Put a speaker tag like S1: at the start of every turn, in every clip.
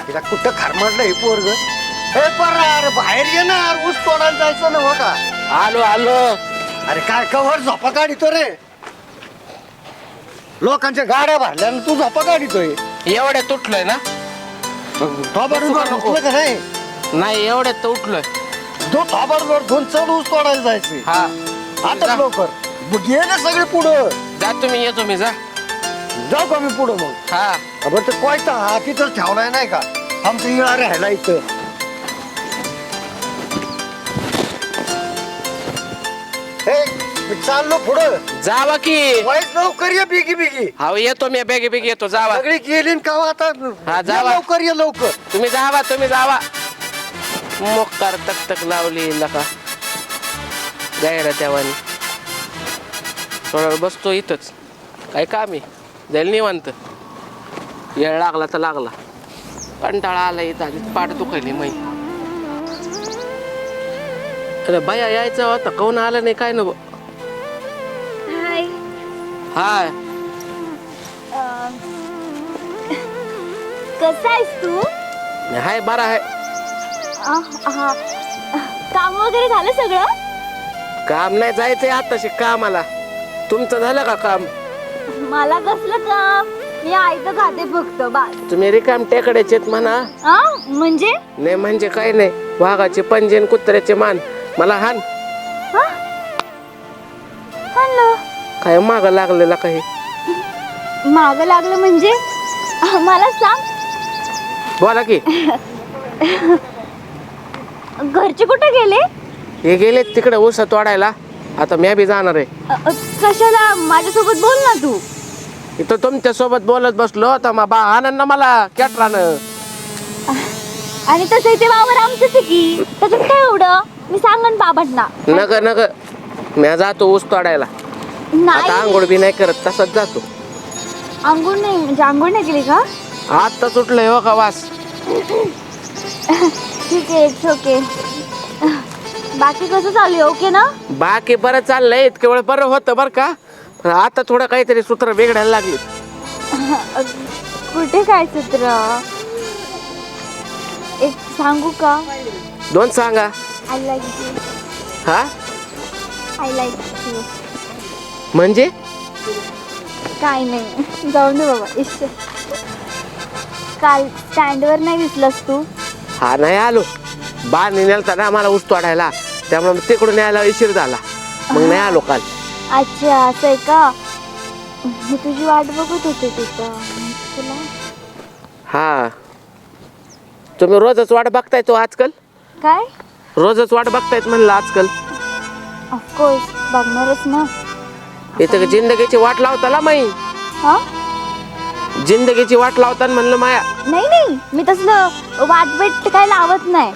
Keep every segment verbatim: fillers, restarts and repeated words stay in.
S1: तिला कुठं खारमाडलं हे पोरग हे पर अरे बाहेर ये ना अरे ऊस तोडायला जायचं ना हो का
S2: आलो आलो
S1: अरे काय कवर झोपा काढितो रे लोकांच्या गाड्या भरल्या आणि तू झोपा काढितोय
S2: एवढ्या तुटलोय ना
S1: थोबाडून उठलं का नाही
S2: नाही एवढ्यात तर उठलोय
S1: दो थोबाडून दोन चढ ऊस तोडायला जायचे
S2: हा
S1: आता
S2: जा.
S1: लवकर मग ये ना सगळे पुढं
S2: जा तुम्ही येतो मी जा
S1: जाऊ का मी पुढं मग
S2: हा
S1: बरं ते कोयता हा तिथंच ठेवलाय नाही का आमचं इळा राहायला इथं हे मी चाललो पुढं
S2: जावा की
S1: वाईट लवकर ये बिगी बिगी
S2: हा येतो मी बेगी बेगी येतो जावा
S1: सगळी गेली का आता
S2: हा,
S1: ये
S2: जावा.
S1: लवकर ये लवकर
S2: तुम्ही जावा तुम्ही जावा मोकार तक तक लावली लका गायरा त्यावानी थोडा वेळ बसतो इथंच काय काम आहे जाईल निवांत येळ लागला तर लागला कंटाळा आला इथं आधी पाठ दुखायली मै अरे बाया यायचं होता कोण आलं नाही काय ना
S3: हाय
S2: हाय
S3: कसा आहेस तू
S2: हाय बरा आहे
S3: अ, हा काम वगैरे झालं सगळं
S2: काम नाही जायचंय आताशी कामाला तुमचं झालं का काम
S3: मला कसलं काम मी आयतं खाते फक्त बस
S2: तुम्ही रिकाम टेकड्याचे म्हणा
S3: आ म्हणजे
S2: नाही म्हणजे काय नाही वाघाचे पंजे आणि कुत्र्याचे मान मला हान
S3: हा? आणलं
S2: काय माग लागलेला काही
S3: माग लागलं म्हणजे अ, मला सांग
S2: बोला की
S3: घरचे कुठे गेले
S2: हे गेले तिकडे ऊस तोडायला आता मी बी जाणार आहे
S3: अ, अ, कशाला माझ्यासोबत बोल ना तू
S2: इथं तुमच्या सोबत बोलत बसलो तर मग बा आनंद मला कॅटरानं
S3: आणि तसं ते वावर आमचंच आहे की त्याच्यात काय एवढं मी सांगन बाबांना
S2: नग नग मी जातो ऊस तोडायला आता
S3: नाही
S2: आंघोळ बी नाही करत तसंच जातो
S3: आंघोळ नाही म्हणजे आंघोळ नाही केली का
S2: आता सुटलंय हो का वास
S3: ठीक आहे इट्स ओके बाकी कसं चालू आहे ओके ना
S2: बाकी बरं चाललंय इतके वेळ बरं होतं बरं का पण आता थोडं काहीतरी सूत्र बिघडायला लागली
S3: कुठे काय सूत्र एक सांगू का
S2: दोन सांगा
S3: आय लाईक यू
S2: हा
S3: आय लाईक यू
S2: म्हणजे
S3: काय नाही जाऊन दे बाबा इश्श काल स्टँडवर नाही दिसलास तू
S2: हा नाही आलो बाळ नेलता ना मला ऊस तोडायला त्यामुळे तिकडून यायला उशीर झाला मग नाही आलो काल
S3: अच्छा असं आहे का मी तुझी वाट बघत होते तिथं तुला
S2: हा तुम्ही रोजच वाट बघताय तो आजकाल
S3: काय
S2: रोजच वाट बघतायत म्हणलं आजकाल
S3: ऑफकोर्स बघणारच ना
S2: इथं जिंदगीची वाट लावताला माई
S3: हा
S2: जिंदगीची वाट लावताना म्हणलं माया
S3: नाही नाही मी तसलं वाट बेट काय लावत नाही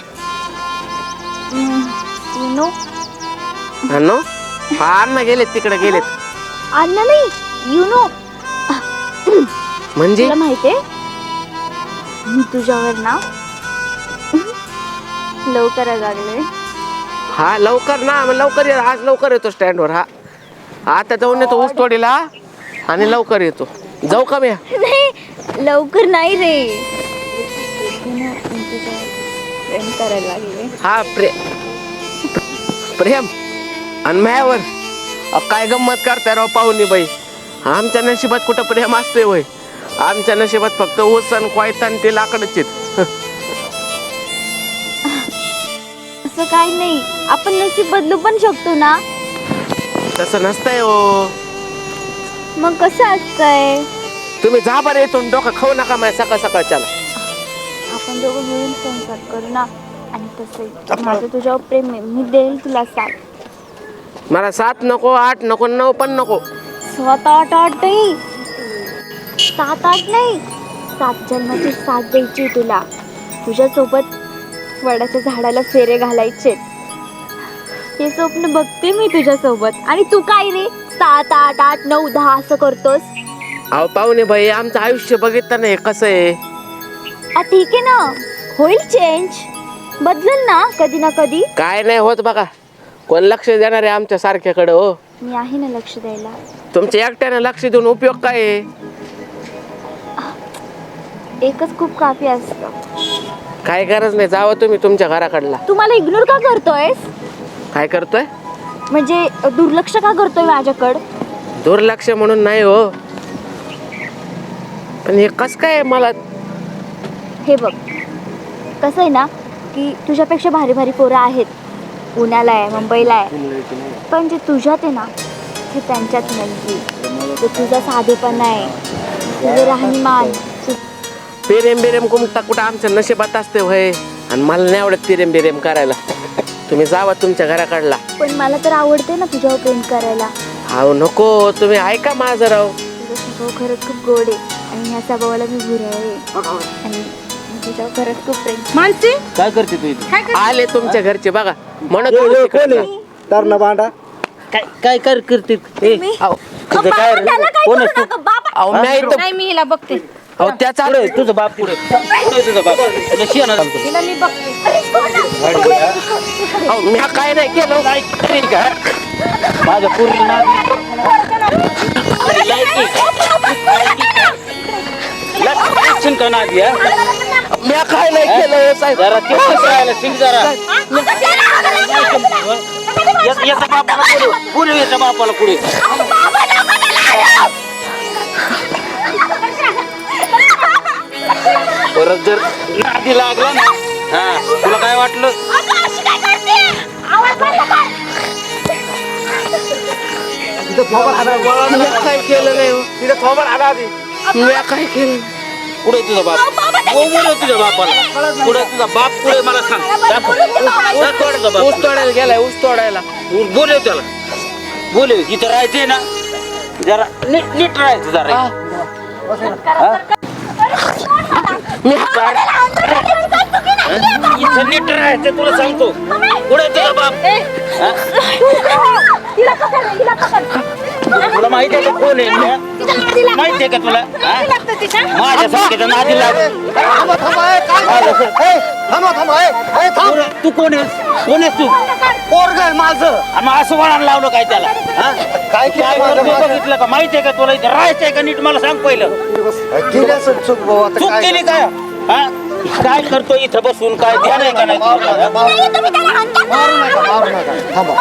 S3: यू नो
S2: हा नो हा अण्णा गेलेत तिकडे गेलेत
S3: अन्न नाही यू नो
S2: म्हणजे
S3: तुला माहितीये मी तुझ्यावर ना लवकर लागले
S2: हा लवकर ना मग लवकर ये आज लवकर येतो स्टँडवर हा आता जाऊन येतो ऊस तोडीला आणि लवकर येतो जाऊ का मी
S3: नाही लवकर नाही रे मी तुझ्यावर प्रेम करायला लागले
S2: हा प्रे प्रेम आणि मायावर अ, काय गंमत करताय राव पाहुणी बाई आमच्या नशिबात कुठं प्रेम असतंय वय आमच्या नशिबात फक्त ऊस आणि कोयता आणि ते लाकडच आहेत
S3: असं काही नाही आपण नशीब बदलू पण शकतो ना
S2: तसं नसतंय हो
S3: मग कसं असतंय
S2: तुम्ही जा बरं येतो डोकं खाऊ नका माझ्या सकाळ सकाळच्याला
S3: आपण दोघं मिळून संसार करू ना आणि तसं माझं तुझ्यावर प्रेम आहे मी देईल तुला साथ
S2: मला सात नको आठ नको नऊ पण नको
S3: सात आठ आठ नाही सात आठ नाही सात जन्माची साथ द्यायची तुला तुझ्यासोबत वडाच्या झाडाला फेरे घालायचे हे स्वप्न बघते मी तुझ्यासोबत आणि तू काय रे सात आठ आठ नऊ दहा असं करतोस
S2: अहो पाहुणे बाई आमचं आयुष्य बघितलं नाही कसं आहे
S3: आ ठीक आहे ना होईल चेंज बदलल ना कधी ना कधी
S2: काय नाही होत बघा कोण लक्ष देणार आहे आमच्या सारख्याकडे हो
S3: मी आहे ना लक्ष द्यायला
S2: तुमच्या एकट्याने लक्ष देऊन उपयोग काय आहे
S3: एकच खूप काफी असतं.
S2: काय गरज नाही, जावं तुम्ही तुमच्या घराकडला.
S3: तू मला इग्नोर का करतोयस?
S2: काय करतोय?
S3: म्हणजे दुर्लक्ष का करतोय माझ्याकडं?
S2: दुर्लक्ष म्हणून नाही हो, पण हे कस काय मला.
S3: हे बघ, कसं आहे ना की तुझ्यापेक्षा भारी भारी पोरं आहेत, पुण्याला आहे, मुंबईला आहे, पण जे तुझ्यात आहे ना ते त्यांच्यात नाही. ते तुझा साधेपणा आहे, तुझं राहणीमान.
S2: पेरेम बिरेम कुमता कुठं आमच्या नशिबात असते होय, आणि मला नाही आवडत पेरेम बिरेम करायला. तुम्ही जावा तुमच्या घराकडला.
S3: पण मला तर आवडते ना तुझ्यावर प्रेम करायला.
S2: अहो नको, तुम्ही ऐका माझं राव.
S3: तुझा स्वभाव खरंच खूप गोड आहे आणि ह्या स्वभावाला मी भुरा आहे आणि तुझ्यावर खरंच खूप प्रेम.
S4: मानसी
S5: काय करते तू इथे?
S2: आले तुमच्या घरचे बघा, म्हणत होते तिकडनं.
S1: तर बांडा
S5: काय काय कर करते ए,
S3: मी-
S2: अहो,
S5: तुझं काय रे? कोण आहेस तू?
S2: अहो, मी इथं-
S4: नाही मी हिला बघते.
S2: अहो, त्याचा
S5: पुढे तुझा बाप पुढे पुढे तुझा बाप तुला शियाना सांगतो.
S4: हिला मी बघते.
S2: अहो, मी काय नाही केलं.
S5: काय करेल का माझ्या पूर्वी नादी लक्ष्मी का नादी हा?
S2: मी काय नाही केलं हो, साहेब.
S5: जरा ते कसं राहिलं शिंग जरा याचा याचा बापाला पुढे पुढे याच्या बापाला पुढे परत जर नादी लागला ना हा तुला काय वाटलं?
S2: मी काय केलं नाही हो. मी काय केलं?
S5: पुढे तुझा बाप पुढे तुझ्या बापाला पुढे तुझा बाप पुढे मला सांग दाखव. दाखव तुझा बाप.
S2: ऊस तोडायला गेलाय, ऊस तोडायला.
S5: बोलव त्याला बोलव इथं राहायचंय ना जरा नीट नीट राहायचं जरा
S2: हा.
S5: हा?
S2: मी काय
S5: इथं नीट राहायचं तुला सांगतो पुढे तुझा बाप हा? तुला माहिती आहे का कोण आहे मी? माहिती आहे का तुला हा? माझ्या संख्येचं नादी लागून
S1: थांबा थांबा ए, काय झालं? ए, थांबा थांबा ए, ए, थांब.
S5: पुढे तू कोण आहेस कोण आहेस तू
S1: पोरगं आहे माझं.
S5: आणि मग असं वळण लावलं काय त्याला हा?
S1: काय केलं
S5: काय
S1: माझं
S5: करतोय
S1: माझं?
S5: बघितलं का माहिती आहे का तुला इथं राहायचंय का नीट मला सांग पहिलं
S1: केली असेल चूक भाऊ, आता
S5: चूक
S1: काय
S5: केली काय हा काय करतो इथं बसून काय ध्यान आहे का नाही
S1: मारू
S5: तुला?
S1: नका, मारू नका. मारू नका मारू नका थांबा.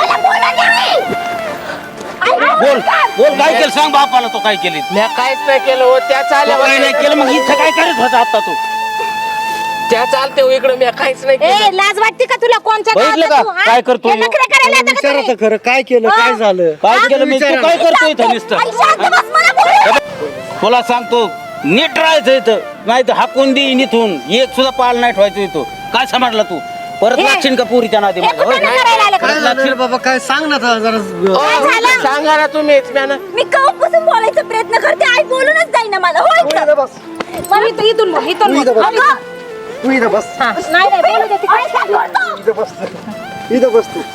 S5: बोल बोल काय केलं सांग बापाला तो काय केली
S2: मी काहीच नाही केलं हो. त्या चालल्या
S5: काय नाही केलं मग इथं काय करत होता आता तू
S2: त्या चालते हो इकडे. मी काहीच नाही
S4: ए
S2: केलं.
S4: लाज वाटते का तुला कोणच्या
S5: बघितलं
S4: गावात
S5: का?
S4: तू, हा?
S5: काय करतोय
S4: हे नखरे करायला येतं का
S1: विचारा
S4: तुम्ही?
S1: तर खरं काय केलं काय झालं
S5: काय केलं मी तू
S1: विचारा
S5: काय करतोय इथं नुसतं
S4: आई, शांत बस, मला बोलू दे.
S5: तुला सांगतो नीट राहायचं इथं नाही तर हाकून देईन इथून एक सुद्धा पाल नाही ठेवायचं इथं काय समजला तू परत
S4: हे.
S5: लागशील का पुरीच्या नादी
S4: हे
S5: माझ्या
S4: कुठं
S5: होय?
S4: करायला आलं का?
S1: काय झालं रे बाबा काय सांग ना जरा जरा.
S2: अहो,
S4: झालं?
S2: सांगा ना तुम्हीच. म्या ना
S3: मी कवापासून बोलायचा प्रयत्न करते, आई बोलूनच जाईना मला. होय
S1: तू
S3: का?
S1: इथं बस
S4: मला इथं- इथून बोल, इथून
S1: तू इथं
S4: बोल.
S1: बस.
S4: अगं,
S1: तू इथं बस
S4: हा, नाही नाही बोलू दे ती.
S3: आई, काय करतो?
S1: इथं बस इथं बस तू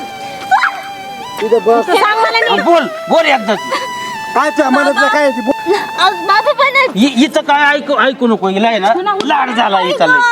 S1: इथं बस.
S4: तू सांग मला नीट.
S5: बोल बोल एकदा
S1: काय तुझ्या मनातलं काय आहे ते बोल.
S3: अग, बाबा पण
S5: हिचं काय ऐकू ऐकू नको हिला आहे ना लाड झाला हिचा लय.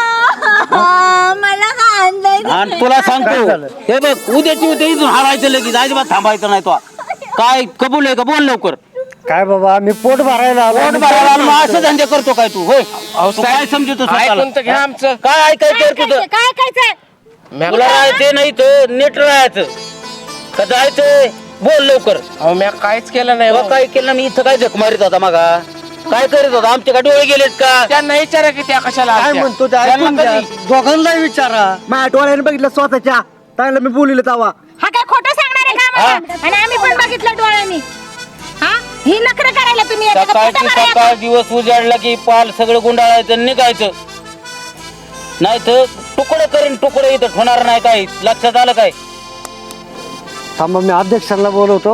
S3: मला काय आणलंय?
S5: आणि तुला सांगतो
S1: झालं?
S5: हे बघ उद्याची उद्या इथून हलायचं लगेच अजिबात थांबायचं नाही तो काय कबूल आहे का बोल लवकर
S1: काय बाबा मी पोट भरायला आलो.
S5: पोट भरायला आणि मग असं धंदे करतो काय तू होय
S2: अहो,
S5: तू काय समजतो स्वतःला?
S2: ऐकून तर घ्या आमचं.
S5: काय ऐकायचं
S4: काय
S5: तुझं
S4: ऐकायचं? काय ऐकायचंय?
S2: म्या-
S5: तुला राहायचं नाही तर नीट राहायचं का जायचंय बोल लवकर
S2: अहो, म्या काहीच केलं नाही
S5: तेव्हा
S2: हो.
S5: काय केलं मी इथं काय झक मारित होता मगा काय करीत होता आमचे का डोळे गेलेत का
S2: त्यांना विचारा की त्या कशाला
S1: काय
S2: आलत्या.
S1: म्हणतो ते
S5: त्यांना
S1: ऐकून घ्या.
S5: कधी?
S1: दोघांनाही विचारा माझ्या डोळ्याने बघितलं स्वतःच्या चांगलं मी बोलिले तावा.
S4: हा काय खोटं सांगणार आहे का आम्हाला? आणि आम्ही पण बघितलं डोळ्यांनी. हा ही नखरे करायला तुम्ही येता का?
S5: सकाळची
S4: खोटं करायला
S5: सकाळ दिवस उजाडला की पाल सगळं गुंडाळायचं आणि निघायचं नाही तर तुकडे करीन तुकडे इथं होणार नाही काही लक्षात आलं काय
S1: थांबा मी अध्यक्षांना बोलवतो.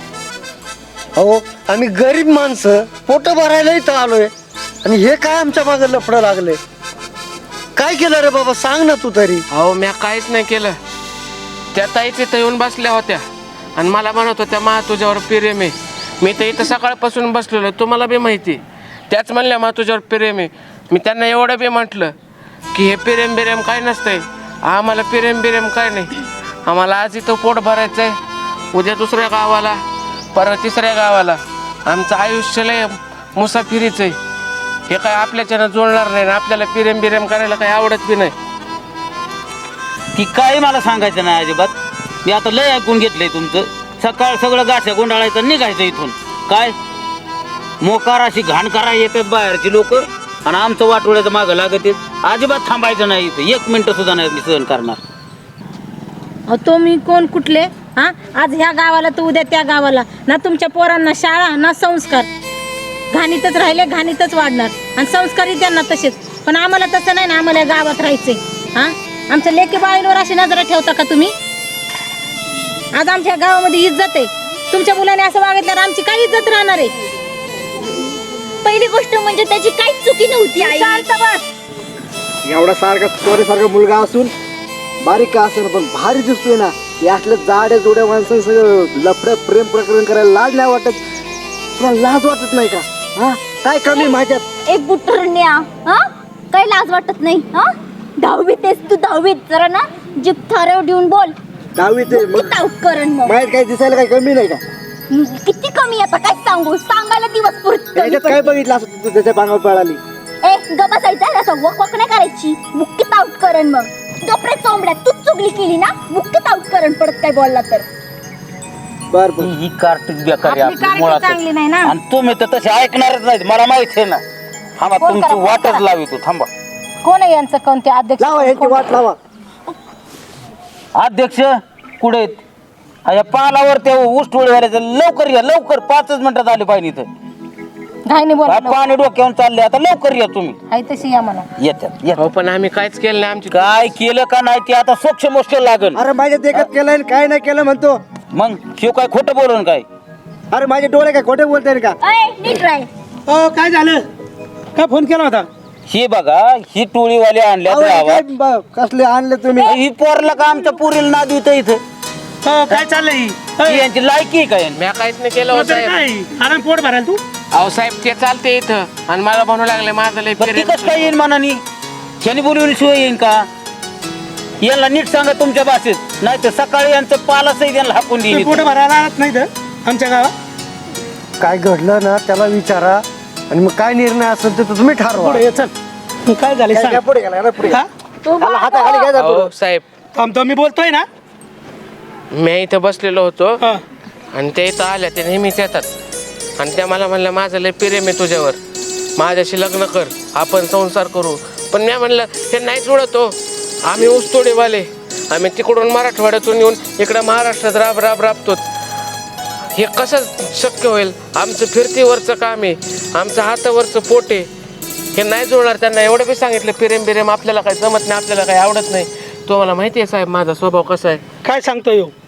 S1: हो आम्ही गरीब माणसं पोट भरायला इथं आलोय आणि हे काय आमच्या मागे लफडं लागले. काय केलं रे बाबा सांग ना तू तरी.
S2: अहो, म्या काहीच नाही केलं. त्या ताईच इथं येऊन बसल्या होत्या आणि मला म्हणत होत्या मा तुझ्यावर प्रेम आहे. मी तर इथं सकाळपासून बसलेलो, तुम्हाला बी माहिती. त्याच म्हणल्या मा तुझ्यावर प्रेम आहे. मी त्यांना एवढं बी म्हटलं की हे प्रेम बिरेम काय नसतंय, आम्हाला प्रेम बिरेम काय नाही. आम्हाला आज इथं पोट भरायचं आहे, उद्या दुसऱ्या गावाला, परत तिसऱ्या गावाला. आमचं आयुष्य लय मुसाफिरीचं आहे. हे काय आपल्याच्यानं जुळणार नाही ना आपल्याला पिरेम बिरेम करायला काही आवडत बी नाही.
S5: की काही मला सांगायचं नाही अजिबात. मी आता लय ऐकून घेतलंय तुमचं. सकाळ सगळं गाठ्या गुंडाळायचं निघायचं इथून. काय मोकार अशी घाण करा येतात बाहेरची लोक आणि आमचं वाटोळ्याचं मागं लागत आहेत. अजिबात थांबायचं नाही इथं एक मिनिटं सुद्धा नाही मी सहन करणार.
S4: अहो तुम्ही कोण कुठले हा? आज ह्या गावाला तर उद्या त्या गावाला. ना तुमच्या पोरांना शाळा ना संस्कार. घाणीतच राहिले घाणीतच वाढणार आणि संस्कारही त्यांना तसेच. पण आम्हाला तसं नाही ना. आम्हाला या गावात राहायचंय. हा आमच्या लेकी बाळींवर अशी नजर ठेवता का तुम्ही? आज आमच्या गावामध्ये इज्जत आहे. तुमच्या मुलाने असं वागितल्यावर आमची काय इज्जत राहणार आहे?
S3: पहिली गोष्ट म्हणजे त्याची काहीच चुकी नव्हती आई.
S4: शांत बस.
S1: एवढा सारखा सारखा मुलगा असून बारीक का असेल पण भारी दिसतोय ना. यातल्या जाड्या जोड्या माणसांनी सगळं लफड्या प्रेम प्रकरण करायला लाज नाही वाटत? तुला लाज वाटत नाही का? हा काय कमी माझ्यात?
S3: एक बुटरण्या हा काही लाज वाटत नाही हा? दहावीत आहेस तू दहावीत. जरा ना जीप थाऱ्यावर देऊन बोल.
S1: दहावीत आहे मग
S3: किती करण मग
S1: माहित काय दिसायला काही कमी नाही का?
S3: किती कमी आता काय सांगू सांगायला दिवस
S1: त्याच्यात काय
S3: पुरत.
S1: बघितलं असं तू त्याच्या पांगावर पळाली?
S3: ए ग बसायचं असं वक वक नाही करायची. मुक्कीत आउट करण मग. कपडे चोंबड्या तूच चुगली केली ना मुक्कीत आउट करण परत काय बोलला तर.
S1: बर बर
S5: ही कार्टिक बेकारी
S4: आपली
S5: आपली
S4: कार्टिक
S5: मुळात.
S4: चांगली नाही ना.
S5: आणि तुम्ही तर तसे ऐकणारच नाहीत मला माहित आहे ना. थांबा
S4: फोन
S5: तुमची
S4: करा, फोन
S5: वाटच
S4: करा.
S5: लावी तू थांबा.
S4: कोण आहे यांचं कोणते अध्यक्ष?
S1: लावा यांची वाट लावा.
S5: अध्यक्ष कुठे आहेत? हा, या पालावर ते ऊस टोळीवाल्याचं लवकर या लवकर पाचच मिनिटात आले पाहिजे इथं.
S4: घाईने
S5: हा,
S4: बोला.
S5: पाणी डोक्यावर चालले आता लवकर या तुम्ही.
S4: आहे तशी या म्हणा.
S5: येतात येतात.
S2: हो पण आम्ही काहीच केलं नाही. आमची
S5: काय केलं का नाही ते आता सोक्ष मोष्ट लागल.
S1: अरे माझ्या देखत केलंय काय नाही केलं म्हणतो.
S5: मग शिव काय खोटं बोलून काय?
S1: अरे माझे डोळे काय खोटे बोलताय का?
S3: अय नीट राय.
S1: हो काय झालं? काय फोन केला होता?
S5: ही बघा ही टोळीवाले आणल्या
S1: अहो, काय
S5: गावात.
S1: ब- कसले आणले तुम्ही?
S5: ही पोरला का आमच्या पुरीला नाद येतं इथं?
S6: काय चाललंय
S5: ही यांची लायकी आहे का यांची?
S2: म्या काहीच नाही केलं हो साहेब.
S6: काय आराम पोट भरायला तू
S2: अहो साहेब ते चालते इथं आणि मला म्हणू लागले माझं लय
S5: बरं ती
S2: पिरेम.
S5: कसं काय येईन मनानी? शनी बोलवली शिवाय येईन का? यांना नीट सांगा तुमच्या भाषेत नाही तर सकाळी यांचं पालाच यांना हाकून देईन
S6: पोट
S5: इथं.
S6: भरायला आणत नाही तर आमच्या गावात.
S1: काय घडलं ना त्याला विचारा आणि मग काय निर्णय असेल ते तुम्ही ठरवा.
S6: पुढे ये, चल. काय झालं
S1: काय-
S6: सांग.
S1: काय पुढे गेला? पुढे
S6: हा?
S1: त्याला हाताखाली काय जातो?
S2: अहो साहेब
S6: थांबतो मी बोलतोय ना.
S2: मी इथं बसलेलो होतो
S6: हा.
S2: आणि ते इथं आल्या ते नेहमीच येतात आणि त्या मला म्हणलं माझं लय प्रेम आहे तुझ्यावर माझ्याशी लग्न कर आपण संसार करू. पण मी म्हणलं हे नाही जुळत हो. आम्ही ऊसतोडेवाले आम्ही तिकडून मराठवाड्यातून येऊन इकडं महाराष्ट्रात राब राब राबतो. हे कसं शक्य होईल? आमचं फिरतीवरचं काम आहे आमचं हातावरचं पोट आहे. हे नाही जुळणार. त्यांना एवढं बी सांगितलं प्रेम बिरेम आपल्याला काही जमत नाही आपल्याला काही आवडत नाही. तुम्हाला माहिती आहे साहेब माझा स्वभाव कसा आहे.
S6: काय सांगतोय ह्यो?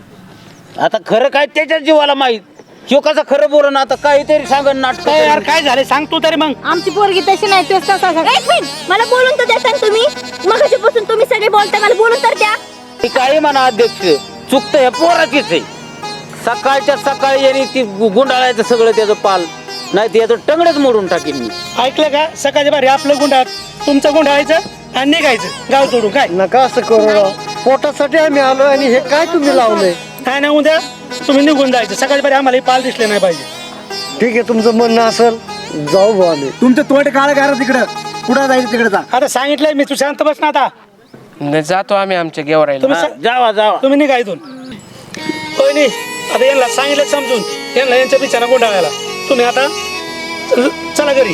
S5: आता खरं काय त्याच्याच जीवाला माहित. शिव कसं खरं बोल ना आता काहीतरी सांगन नाटक.
S6: काय यार काय झालं सांगतो तरी मग.
S4: आमची पोरगी तशी नाही. तेच तसा
S3: एक मिनिट मला बोलून तर द्या तुम्ही. मगाशीपासून तुम्ही सगळे बोलताय मला बोलून तर द्या.
S5: ती काही म्हणा अध्यक्ष चुकतं ह्या पोराचीच आहे. सकाळच्या सकाळी यांनी ती गुंडाळायचं सगळं त्याचं पाल नाही ते याचं टंगडच मोडून टाकीन मी.
S6: ऐकलं का? सकाळच्या भारी आपलं गुंडाळ तुमचं गुंडाळायचं आणि निघायचं गाव सोडून. काय
S1: नका असं करू राव. पोटासाठी आम्ही आलो आणि हे काय तुम्ही लावलंय?
S6: काय नाही उद्या तुम्ही निघून जायचं. सकाळच्या भारी आम्हाला हे पाल दिसले नाही पाहिजे.
S1: ठीक आहे तुमचं म्हणणं असेल जाऊ भाऊ आम्ही. तुमचं तोंड काळ घाला तिकडं कुठं जायचं तिकडे जा.
S6: आता सांगितलंय मी तू शांत बस ना आता.
S2: न जातो आम्ही आमच्या गेवरायला.
S6: तुम्ही
S5: हा, जावा जावा.
S6: तुम्ही निघा इथून. होय नाही आता यांना सांगितलं समजून यांना यांच्या बिचारा गुंडाळायला. तुम्ही आता चल- चला घरी.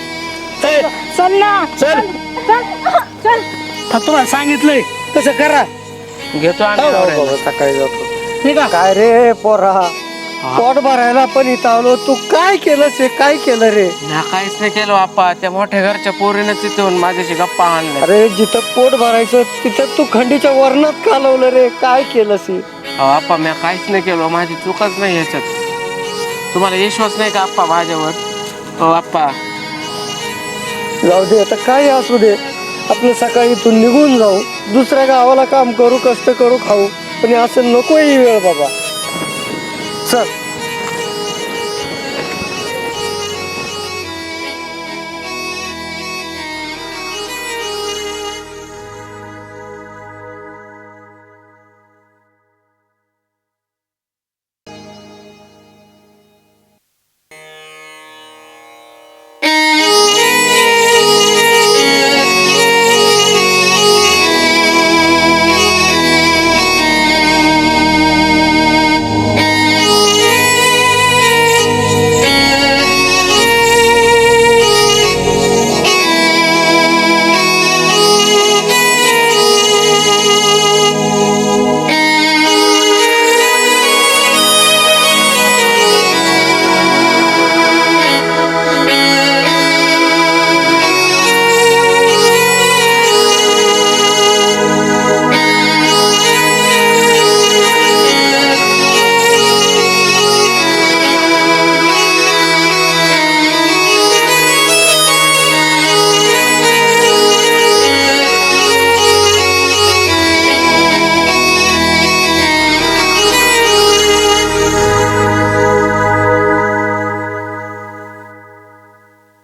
S6: चल
S4: चल ना.
S6: चल.
S4: चल चल.
S6: आता तुम्हाला सांगितलंय तसं करा.
S2: घेतो आम्ही
S6: हो, हो,
S2: गेवरायला.
S1: बाबा, सकाळी जातो.
S6: निघा.
S1: काय रे पोरा पोट भरायला पण इथं आलो. तू काय केलंस हे? काय केलं रे?
S2: ना काहीच नाही केलं बाप्पा. त्या मोठ्या घरच्या पोरीनं तिथून माझ्याशी गप्पा आणल्या.
S1: अरे जिथं पोट भरायचं तिथं तू खंडीच्या वर्णात कालवलं रे. काय केलंस हे?
S2: अहो आप्पा मी काहीच नाही केलं. माझी चूकच नाही ह्याच्यात. तुम्हाला विश्वास नाही का आप्पा माझ्यावर? हो आप्पा
S1: जाऊ दे आता काय असू दे. आपलं सकाळी इथून निघून जाऊ दुसऱ्या गावाला काम करू कष्ट करू खाऊ पण असं नको ही वेळ बाबा. चल